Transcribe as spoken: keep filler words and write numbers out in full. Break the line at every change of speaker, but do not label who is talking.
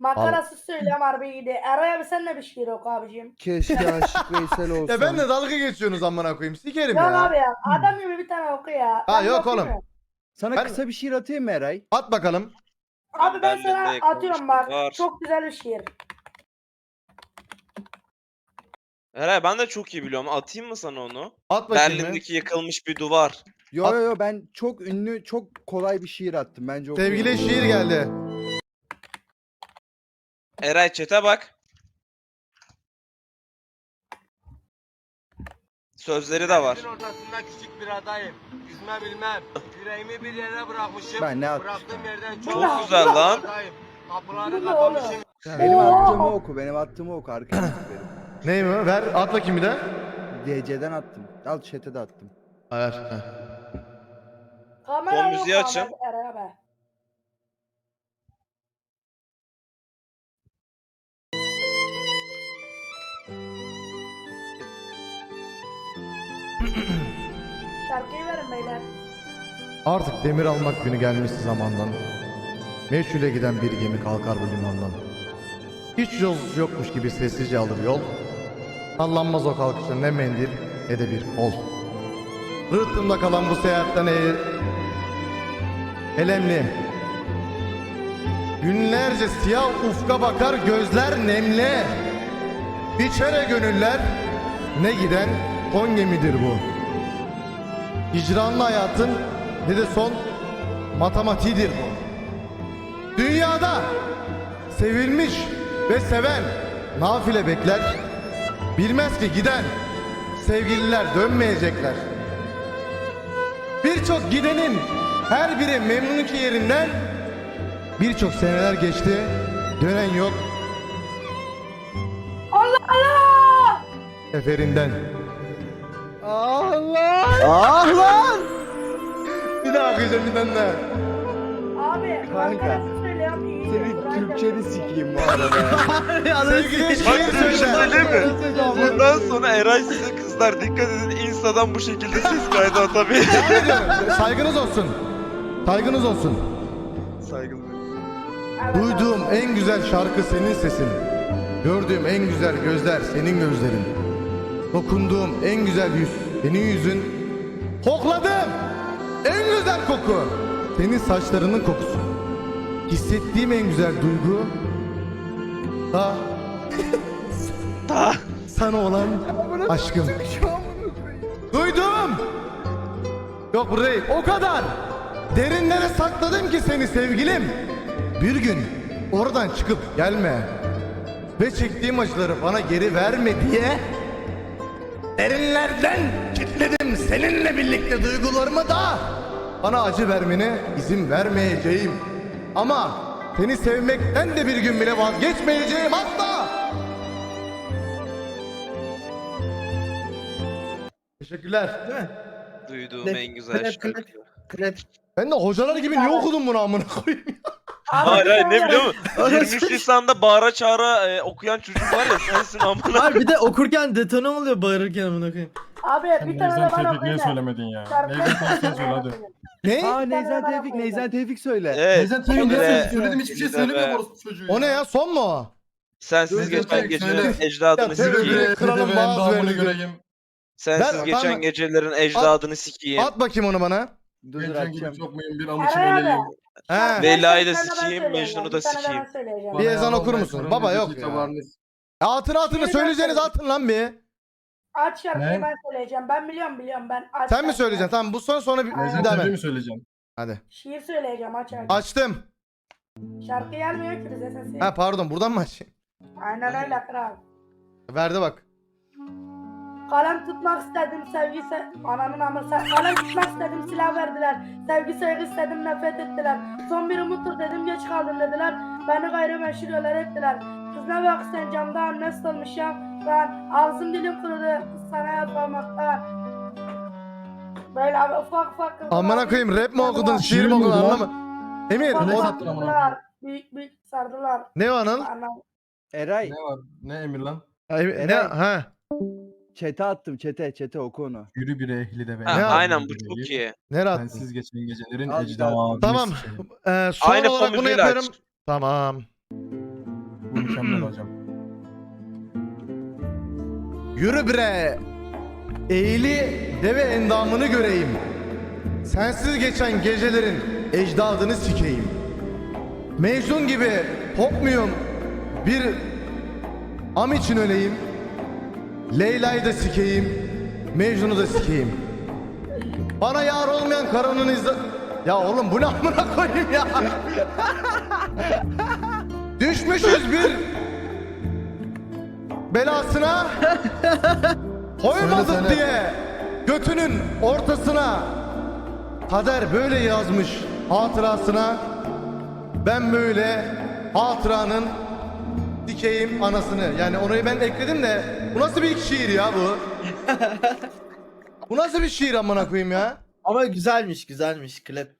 Makarası söylüyorum harbi iyiydi. Eray abi sen de bir şiir oku abicim.
Keşke Aşık Veysel olsam.
Ya ben de dalga geçiyorsunuz amına koyayım. Sikerim
Yok
ya.
abi ya. Adam gibi bir tane oku ya.
Ha
Ben de
yok
okuyayım
oğlum.
mı?
Sana
Ben-
kısa bir şiir atayım mı Eray?
At bakalım.
Abi ben
Berlin'de
sana
yakalamış
atıyorum bak.
var.
Çok güzel bir şiir.
Eray ben de çok iyi biliyorum. Atayım mı sana onu?
At bakayım.
Berlin'deki yıkılmış bir duvar.
Yo
At-
yo yo ben çok ünlü, çok kolay bir şiir attım. Bence okuyun.
Sevgili şiir geldi.
Eray chat'e bak. Sözleri de var.
Denizin ortasında küçük bir adayım. Yüzme bilmem. Yüreğimi bir yere bırakmışım.
Ben ne atmışım?
Bıraktığım yerden çok,
Çok güzel lan.
uzağım. Kapıları
Bu ne oğlum?
kapamışım.
Benim
Oo.
attığımı oku, benim attığımı oku arkadaşlar.
Ney mi? Ver at bakayım bir de.
D C'den attım. Al chat'e de attım.
Ver. heh.
Kamera
Fon
yok
müziği açın.
Ahmet Eray abi. Şarkıyı verin beyler.
Artık demir almak günü gelmişti zamandan. Meçhule giden bir gemi kalkar bu limandan. Hiç yolcusu yokmuş gibi sessizce alır yol. Sallanmaz o kalkışta ne mendil ne de bir kol. Rıhtımda kalan bu seyahatten e elemli. Günlerce siyah ufka bakar gözler nemli. Biçere gönüller ne giden son gemidir bu. Hicranlı hayatın ne de son matematiğidir bu. Dünyada sevilmiş ve seven nafile bekler. Bilmez ki giden sevgililer dönmeyecekler. Birçok gidenin her biri memnun ki yerinden. Birçok seneler geçti, dönen yok
Allah Allah!
eferinden.
Allah! Ah lan!
Bir daha okuyacağım bir tane daha.
Abi
Kanka,
makarası söylüyorum iyiydi.
Senin
Burayı
Türkçeni
da-
sikeyim bu arada.
Sevgili
Bak
şiir
bir şey
söyle.
söyleyeyim mi? Bundan sonra Eray size kızlar dikkat edin. Insta'dan bu şekilde ses kaydı atabilir.
Devam ediyorum. Saygınız olsun. Saygınız olsun.
Saygılı.
Evet abi.
Duyduğum en güzel şarkı senin sesin. Gördüğüm en güzel gözler senin gözlerin. Dokunduğum en güzel yüz senin yüzün. Kokladığım en güzel koku senin saçlarının kokusu. Hissettiğim en güzel duygu da
Ta.
sana olan aşkım. Duydum. Yok bu değil. O kadar. Derinlere sakladım ki seni sevgilim. Bir gün oradan çıkıp gelme. Ve çektiğim acıları bana geri verme diye derinlerden kilitledim seninle birlikte duygularımı da. Bana acı vermene izin vermeyeceğim. Ama seni sevmekten de bir gün bile vazgeçmeyeceğim hatta. Teşekkürler.
Duyduğum en güzel şarkı.
Ben de hocalar gibi niye okudum bunu amına koyayım?
Abi,
Hayır hayır ne
sen-
biliyor musun? yirmi üç Nisan'da bağıra çağıra e, okuyan çocuk var ya sensin amına.
Abi bir de okurken detone oluyor bağırırken amına koyayım.
Abi bir tane de
Neyzen
bana
Tevfik niye
okuyun.
söylemedin ya?
Şarkı-
Neyzen Tevfik sen söyle hadi.
Ne?
Aa Neyzen Tevfik, Neyzen Tevfik söyle.
Evet.
Neyzen Tevfik ne
Öyle.
söyledi? Söyledim hiçbir şey
Öyle.
söylemiyor orospu çocuğu ya.
O ne ya? Son mu o?
Sensiz
Neyzen
geçen
Tevfik
gecelerin
söyle.
ecdadını
Ya,
Söyle
tevfik.
sikeyim.
bre,
Kralın
kralın
bazı
bazı
verdi.
göreyim.
Sensiz
Ver,
geçen
tamam.
gecelerin ecdadını sikeyim.
At bakayım onu bana.
Dur dur
Geçen gibi
açacağım.
çok mühim bir amıçı
Eray abi.
böyleyim.
He.
Leyla'yı da
Bir tane ben
sikeyim,
söyleyeceğim,
Mecnun'u da
bir tane de ben
sikeyim.
söyleyeceğim.
Bir ezan okur
Bana
musun?
Kur'an
Baba yok
müzik
ya.
tabarını-
Atın atını
Bir
söyleyeceğiniz
dakika.
atın lan bir.
Aç şarkıyı
Ne?
ben söyleyeceğim. Ben biliyorum biliyorum ben. Aç
Sen mi
şarkıyı.
söyleyeceksin? Tamam bu son sonra bir,
Neyzen
bir daha
Tevfik'i
ben.
mi söyleyeceğim?
Hadi.
Şiir söyleyeceğim aç şarkıyı.
Açtım.
Şarkı gelmiyor ki bize sesi.
Ha pardon buradan mı açayım?
Aynen öyle kral.
Verdi bak.
Kalem tutmak istedim sevgi se... Ananın amı se... Kalem tutmak istedim silah verdiler. Sevgi saygı istedim nefret ettiler. Son bir umuttur dedim geç kaldım dediler. Beni gayrimeşhur yollar ettiler. Kız ne bak sen camdan nasıl olmuşum ben. Ağzım dilim kurudu kız sana yazmamakta. Böyle abi ufak ufak kızlar.
Amına koyayım rap mi okudun şiir mi
Şiir mi
okudun
bu lan?
anlama. Emir
Ufak
Ne
o...
ufak
sattın amına
kızlar. Büyük büyük sardılar.
Ne o Anıl?
Anam.
Eray,
Ne var? Ne emir lan?
Ha, Emir- Ne?
Eray.
Ha.
chat'e attım, chat'e, chat'e oku onu.
Yürü bir ehli de be.
Ha,
Ne
aynen bu çok iyi.
Nereye attın?
Sensiz geçen gecelerin
Al,
ecdadını
Tamam.
sikeyim.
Ee, son
Aynı
olarak
fon
bunu
müziğiyle
yapıyorum.
aç.
Tamam.
Bu mükemmel hocam.
Yürü bre. Eğili deve endamını göreyim. Sensiz geçen gecelerin ecdadını sikeyim. Mecnun gibi kopmuyum. Bir am için öleyim. Leyla'yı da sikeyim. Mecnun'u da sikeyim. Bana yar olmayan karının izle... Ya oğlum bu ne amına koyayım ya? Düşmüşüz bir belasına. Koymadık
Söyle, söyle.
diye götünün ortasına. Kader böyle yazmış hatırasına. Ben böyle hatıranın dikeyim anasını. Yani orayı ben ekledim de bu nasıl bir şiir ya bu? Bu nasıl bir şiir amına koyayım ya?
Ama güzelmiş güzelmiş klip.